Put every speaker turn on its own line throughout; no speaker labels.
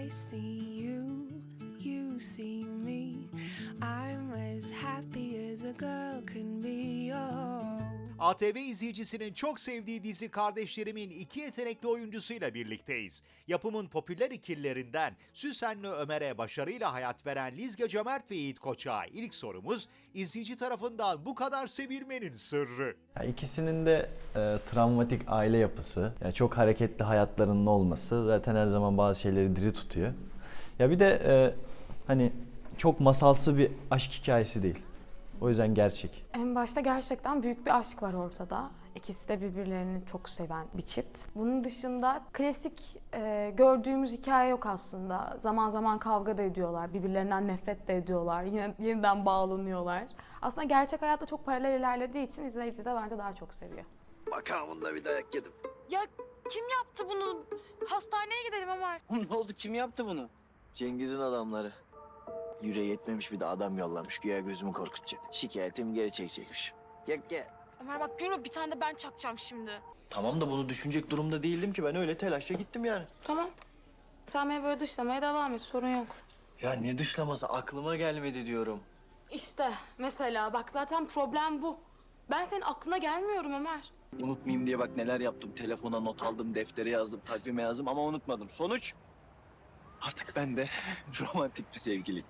see you, you see me. I'm as happy as a girl can be. Oh.
ATV izleyicisinin çok sevdiği dizi Kardeşlerimin iki yetenekli oyuncusuyla birlikteyiz. Yapımın popüler ikililerinden Süsen'le Ömer'e başarıyla hayat veren Lizge Cömert ve Yiğit Koçak'a ilk sorumuz izleyici tarafından bu kadar sevilmenin sırrı.
İkisinin de travmatik aile yapısı, yani çok hareketli hayatlarının olması zaten her zaman bazı şeyleri diri tutuyor. Ya bir de hani çok masalsı bir aşk hikayesi değil. O yüzden gerçek.
En başta gerçekten büyük bir aşk var ortada. İkisi de birbirlerini çok seven bir çift. Bunun dışında klasik gördüğümüz hikaye yok aslında. Zaman zaman kavga da ediyorlar, birbirlerinden nefret de ediyorlar, yine yeniden bağlanıyorlar. Aslında gerçek hayatta çok paralel ilerlediği için izleyici de bence daha çok seviyor.
Makamında bir dayak yedim.
Ya kim yaptı bunu? Hastaneye gidelim Ömer.
Ne oldu? Kim yaptı bunu? Cengiz'in adamları. Yüreği yetmemiş bir de adam yollamış. Güya gözümü korkutacak. Şikayetimi geri çekecekmiş. Gel.
Ömer bak yürü, bir tane de ben çakacağım şimdi.
Tamam da bunu düşünecek durumda değildim ki. Ben öyle telaşla gittim yani.
Tamam. Sen beni böyle dışlamaya devam et, sorun yok.
Ya ne dışlaması? Aklıma gelmedi diyorum.
İşte mesela bak zaten problem bu. Ben senin aklına gelmiyorum Ömer.
Unutmayayım diye bak neler yaptım. Telefona not aldım, deftere yazdım, takvime yazdım ama unutmadım. Sonuç? Artık ben de romantik bir sevgiliyim.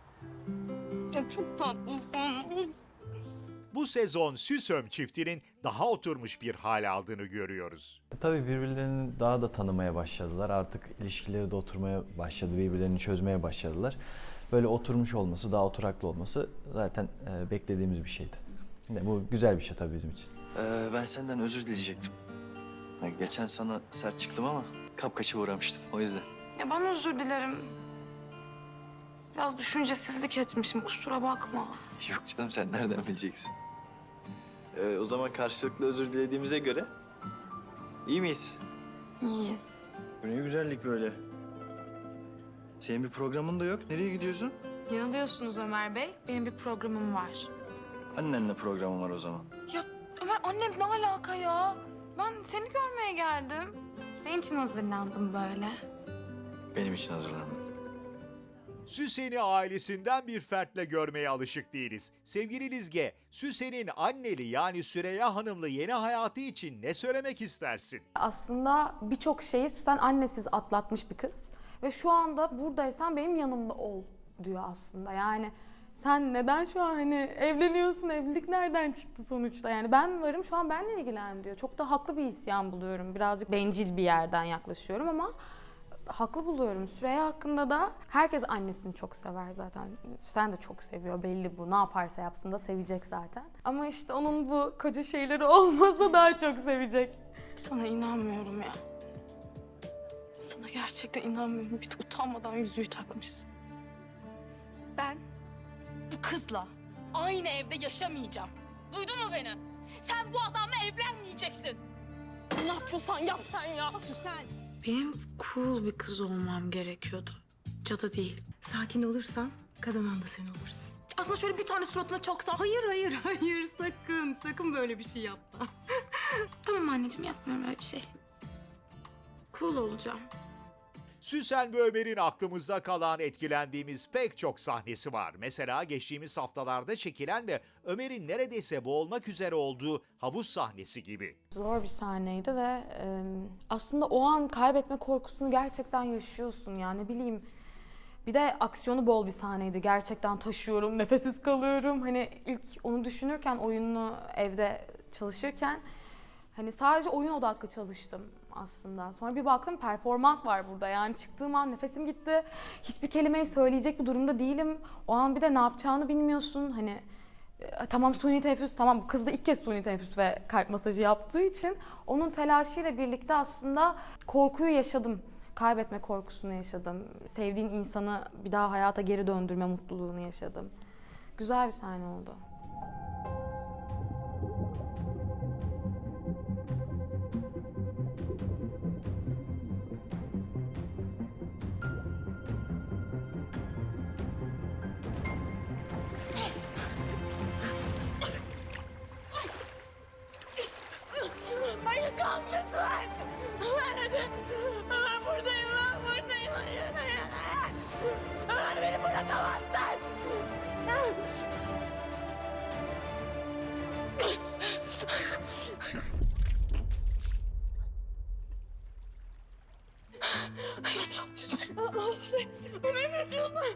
Ya çok tatlısın.
Bu sezon Süsöm çiftinin daha oturmuş bir hal aldığını görüyoruz.
Tabii birbirlerini daha da tanımaya başladılar. Artık ilişkileri de oturmaya başladı, birbirlerini çözmeye başladılar. Böyle oturmuş olması, daha oturaklı olması zaten beklediğimiz bir şeydi. Bu güzel bir şey tabii bizim için.
Ben senden özür dileyecektim. Geçen sana sert çıktım ama kapkaçı uğramıştım o yüzden.
Ya ben özür dilerim. Biraz düşüncesizlik etmişim, kusura bakma.
Yok canım sen nereden bileceksin? O zaman karşılıklı özür dilediğimize göre iyi miyiz?
İyiyiz.
Bu ne güzellik böyle. Senin bir programın da yok. Nereye gidiyorsun?
Yanılıyorsunuz Ömer Bey, benim bir programım var.
Annenle programım var o zaman.
Ya Ömer, annem ne alaka ya? Ben seni görmeye geldim. Senin için hazırlandım böyle.
Benim için hazırlandım.
Süsen'i ailesinden bir fertle görmeye alışık değiliz. Sevgili Lizge, Süsen'in anneli yani Süreyya Hanım'lı yeni hayatı için ne söylemek istersin?
Aslında birçok şeyi Süsen annesiz atlatmış bir kız. Ve şu anda buradaysan benim yanımda ol diyor aslında. Yani sen neden şu an hani evleniyorsun, evlilik nereden çıktı sonuçta? Yani ben varım, şu an benimle ilgilen diyor. Çok da haklı bir isyan buluyorum. Birazcık bencil bir yerden yaklaşıyorum ama haklı buluyorum. Süreyya hakkında da herkes annesini çok sever zaten. Süsen de çok seviyor, belli bu. Ne yaparsa yapsın da sevecek zaten. Ama işte onun bu koca şeyleri olmasa daha çok sevecek. Sana inanmıyorum ya. Sana gerçekten inanmıyorum. Bir de utanmadan yüzüğü takmışsın.
Ben bu kızla aynı evde yaşamayacağım. Duydun mu beni? Sen bu adamla evlenmeyeceksin. Ne yapıyorsan yap sen ya. Süsen.
Benim cool bir kız olmam gerekiyordu. Cadı değil.
Sakin olursan kazanan da sen olursun.
Aslında şöyle bir tane suratına çaksan.
Hayır sakın böyle bir şey yapma.
Tamam anneciğim, yapmıyorum öyle bir şey. Cool olacağım.
Süsen ve Ömer'in aklımızda kalan etkilendiğimiz pek çok sahnesi var. Mesela geçtiğimiz haftalarda çekilen ve Ömer'in neredeyse boğulmak üzere olduğu havuz sahnesi gibi.
Zor bir sahneydi ve aslında o an kaybetme korkusunu gerçekten yaşıyorsun ya, ne bileyim. Bir de aksiyonu bol bir sahneydi. Gerçekten taşıyorum, nefessiz kalıyorum. Hani ilk onu düşünürken, oyununu evde çalışırken hani sadece oyun odaklı çalıştım aslında. Sonra bir baktım performans var burada. Yani çıktığım an nefesim gitti. Hiçbir kelimeyi söyleyecek bir durumda değilim. O an bir de ne yapacağını bilmiyorsun. Hani tamam suni teneffüs, tamam bu kız da ilk kez suni teneffüs ve kalp masajı yaptığı için onun telaşıyla birlikte aslında korkuyu yaşadım. Kaybetme korkusunu yaşadım. Sevdiğin insanı bir daha hayata geri döndürme mutluluğunu yaşadım. Güzel bir sahne oldu.
Hayır kalk lütfen. Ben buradayım. Hayır. bırakamazsın. Ne kaçıyorsun?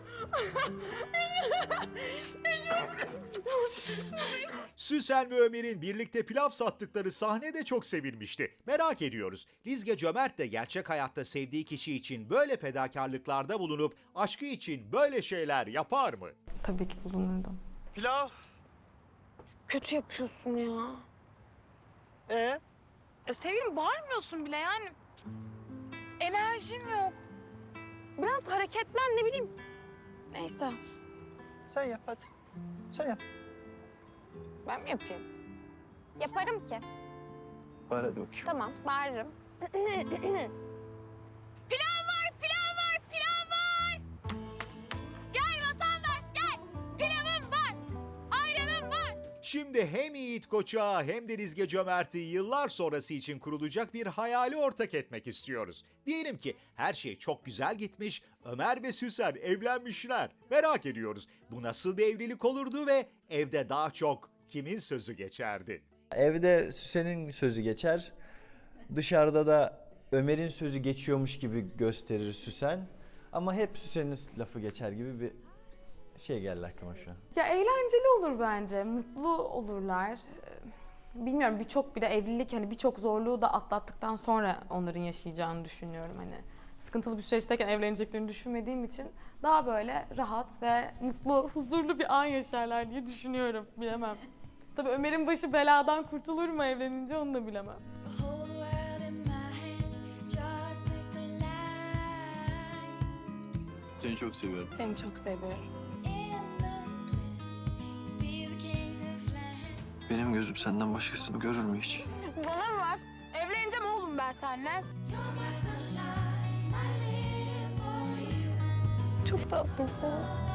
Süsen ve Ömer'in birlikte pilav sattıkları sahne de çok sevilmişti. Merak ediyoruz. Lizge Cömert de gerçek hayatta sevdiği kişi için böyle fedakarlıklarda bulunup aşkı için böyle şeyler yapar mı?
Tabii ki bulunurdum.
Pilav.
Kötü yapıyorsun ya. Sevgilim bağırmıyorsun bile yani. Cık. Enerjin yok. Biraz hareketlen ne bileyim. Neyse.
Sen yap hadi. Sen yap.
Ben mi yapayım? Yaparım ki.
Var hadi bakayım.
Tamam, bağırırım. Pilav var, pilav var, pilav var! Gel vatandaş gel! Pilavım var, ayranım var.
Şimdi hem Yiğit Koç'a hem de Lizge Cömert'i yıllar sonrası için kurulacak bir hayali ortak etmek istiyoruz. Diyelim ki her şey çok güzel gitmiş, Ömer ve Süsen evlenmişler. Merak ediyoruz bu nasıl bir evlilik olurdu ve evde daha çok kimin sözü geçerdi?
Evde Süsen'in sözü geçer. Dışarıda da Ömer'in sözü geçiyormuş gibi gösterir Süsen. Ama hep Süsen'in lafı geçer gibi bir şey geldi aklıma şu an.
Ya eğlenceli olur bence, mutlu olurlar. Bilmiyorum birçok bir de evlilik hani birçok zorluğu da atlattıktan sonra onların yaşayacağını düşünüyorum hani. Sıkıntılı bir süreçteyken evleneceklerini düşünmediğim için daha böyle rahat ve mutlu, huzurlu bir an yaşarlar diye düşünüyorum. Bilemem. Tabii Ömer'in başı beladan kurtulur mu evlenince onu da bilemem.
The whole world in my hand, just like a light.
Seni çok seviyorum.
Seni çok seviyorum.
Innocent, be the king of land.
Benim gözüm senden başkasını görür mü hiç?
Bana bak, evleneceğim oğlum ben seninle.
You're my sunshine, I live for you.
Çok tatlısın.